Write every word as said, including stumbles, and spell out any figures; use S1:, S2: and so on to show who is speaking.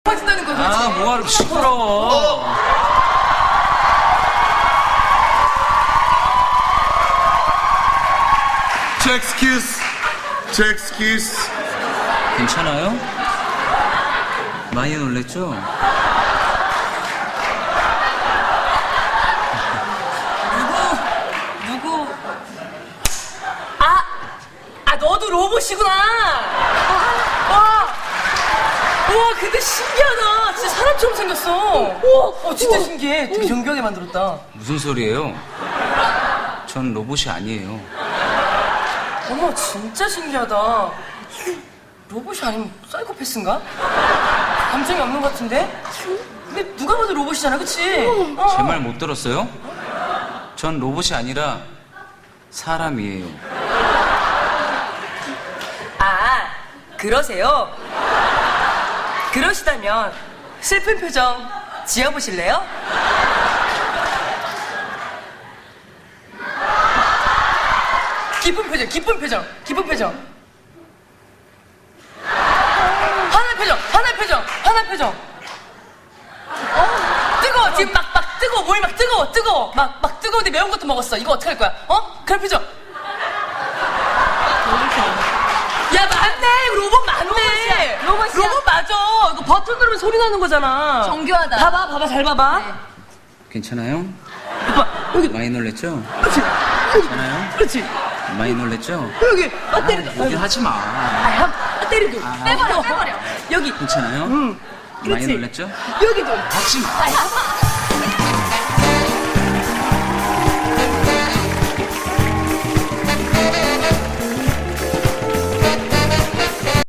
S1: 빠진다는 거 그렇지?
S2: 아, 뭐하러 시끄러워.
S3: 제 엑스큐스. 제 엑스큐스.
S2: 괜찮아요? 많이 놀랬죠?
S1: 누구? 아! 아, 너도 로봇이구나! 와! 와, 근데 신기하다. 진짜 사람처럼 생겼어. 우와, 어, 진짜 신기해. 되게 정교하게 만들었다.
S2: 무슨 소리예요? 전 로봇이 아니에요.
S1: 어머, 진짜 신기하다. 로봇이 아니면 사이코패스인가? 감정이 없는 것 같은데? 근데 누가 봐도 로봇이잖아, 그치? 어.
S2: 제 말 못 들었어요? 전 로봇이 아니라 사람이에요.
S1: 아, 그러세요? 그러시다면 슬픈 표정 지어보실래요? 기쁜 표정, 기쁜 표정, 기쁜 표정. 화난 표정, 화난 표정, 화난 표정. 어? 뜨거워, 지금 막, 막 뜨거워, 몸이 막 뜨거워, 뜨거워. 막, 막 뜨거운데 매운 것도 먹었어. 이거 어떡할 거야? 어? 그런 표정. 야, 맞네. 이거 로봇 맞네.
S4: 로봇이야. 로봇이야.
S1: 로봇 맞아. 이거 버튼 누르면 소리 나는 거잖아.
S4: 정교하다.
S1: 봐봐, 봐봐, 잘 봐봐.
S4: 네.
S2: 괜찮아요?
S1: 오빠, 여기,
S2: 많이 놀랬죠?
S1: 그렇지.
S2: 괜찮아요?
S1: 그렇지.
S2: 많이 놀랬죠?
S1: 여기, 아,
S2: 아,
S1: 때려.
S2: 여기 하지 마.
S1: 아, 한, 아, 때리도.
S2: 아.
S4: 빼버려, 빼버려.
S1: 여기.
S2: 괜찮아요?
S1: 응.
S2: 많이
S1: 그렇지.
S2: 놀랬죠?
S1: 여기도.
S2: 하지 마.
S4: 아,